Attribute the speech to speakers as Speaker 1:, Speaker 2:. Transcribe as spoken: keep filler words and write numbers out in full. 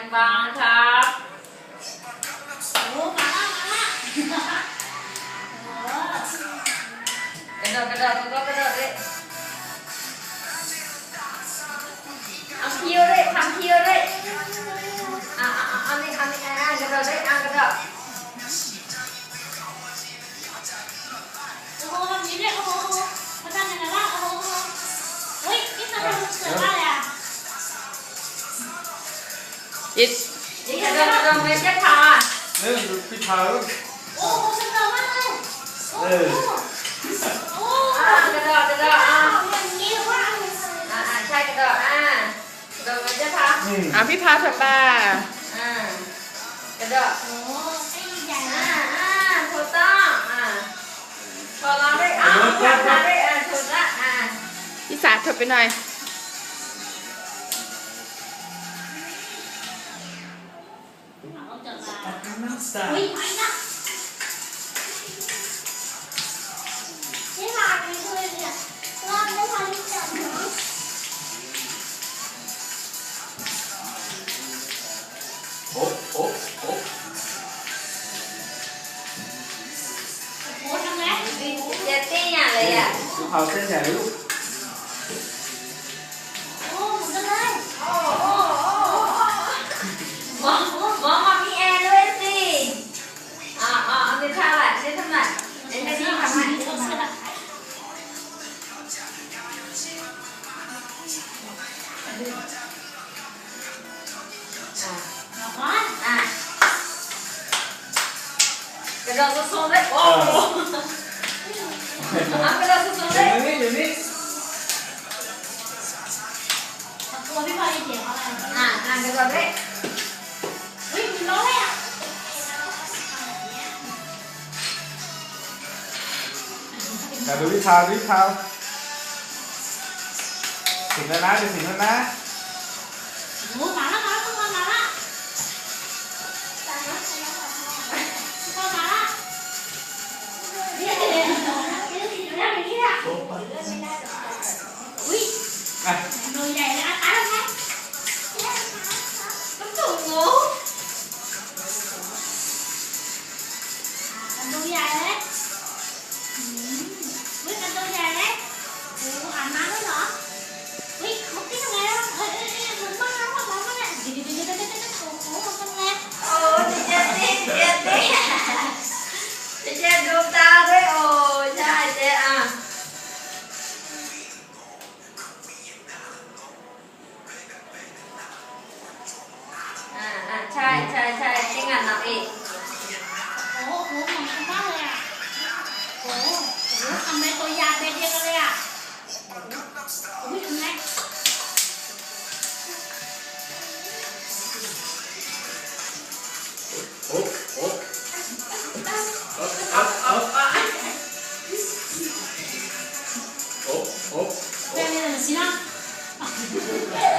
Speaker 1: งบางครับ
Speaker 2: โอ้มาละมาละ
Speaker 1: กระโดดกระโดดก็กระโดดเลยเอาเที่ยวเลยทำเที่ยวเลยอ่ะอ่ะอ่ะอันนี้อันนี้อ่ะกระโดดเลยอ่ะกระโดด
Speaker 2: โอ้โหทำนี้เลยโอ้โหมาทำยังไงล่ะโอ้โหเฮ้ยนี่ทำเป็นเสืออะไรอ่ะ
Speaker 1: ยิดยิดกระโดดกระโดดไม่ใช่พา
Speaker 3: เนี่ยดูพี่พาลูก
Speaker 2: โอ้โหฉันเร็วมากเลยโอ้โหโอ้
Speaker 1: อ่ะกระโดดกระโดดอ่ะ
Speaker 2: อย่างนี้ว่า
Speaker 1: อ่ะอ่ะใช่กระโดดอ่ะกระโดดไม่ใช่พา
Speaker 4: อ่ะพี่พาเถอะป้า
Speaker 1: อ่ะกระโดด
Speaker 2: โอ้ไอ้ใหญ่
Speaker 1: อ่ะ
Speaker 2: นะ
Speaker 1: อ่ะถูกต้องอ่ะพอเราได้อ่ะทำได้อ่ะถูกละอ่ะ
Speaker 4: พี่สาเถอะไปหน่อย
Speaker 2: เอาจับมา
Speaker 3: น้ำสา
Speaker 2: อุ้ยไม่นะนี่หลานไม่เคยเนี่ยรอดไม่ทันจับหนู
Speaker 3: โอ้โอ้โอ้
Speaker 2: โอ้ทำไง
Speaker 1: เจ็ดตี้เนี่ยเลยอ่ะ
Speaker 3: พี่พาเส้นใหญ่ลูก
Speaker 2: โอ้หมุนกันเลย
Speaker 1: โอ้โอ้โอ้มองมองมามีแอร์ด้วยสิอ่าอ่าอันนี้ท่าอะไรนี่ทำไมอันนี้ทำไมอ่ะกระโดดสูงๆเลยโอ้อ่ะกระโดดสูงๆเลย
Speaker 3: อยู่นี่อยู่นี่
Speaker 2: ตัวพี่บอยเสียงอะไร
Speaker 1: อ่ะอ่ะกระโดดเลย
Speaker 2: เฮ้ยมันร้อนเลยอ่ะ
Speaker 3: แต่ดูพี่พาดูพี่พาถึงแล้วนะจะถึงแล้วนะ
Speaker 2: โอ้มาแล้วมาแล้วมาแล้วมาแล้วมาแล้วเดี๋ยวเดี๋ยวเดี๋ยวเดี๋ยวอย่างนี้อ่ะอุ้ย
Speaker 3: อ่ะ
Speaker 2: หนูใหญ่เลยอ่ะตายแล้วไง
Speaker 1: ต้องสูงงู
Speaker 2: กันตัวใหญ่เลยเฮ้ยกันตัวใหญ่เลยโอ้อ่านมาด้วยเหรอเฮ้ยเขาตีทำไงอ่ะเอ้ยเอ้ยเอ้ยเหมือนบ้านเราบ้านเราเนี่ยเดี๋ยวเดี๋ยวเดี๋ยวเดี๋ยวเดี๋ยวโอ้โหทำไง
Speaker 1: โอ้เจ็ดตี้เจ็ดตี้เจ็ดดูตาด้วยโอ้ใช่เจ็ดอ่ะอ่าอ่าใช่ใช่ใช่จริงอ่ะนับอีก
Speaker 2: โอ้โหเหมือนกันมากเลยอ่ะโอ้โหทำไมตัวยาเด็ดเดียวกันเลยอ่ะอุ้ยทำไง
Speaker 3: โอ้โอ้โอ้โอ้
Speaker 2: เร็วๆสินะ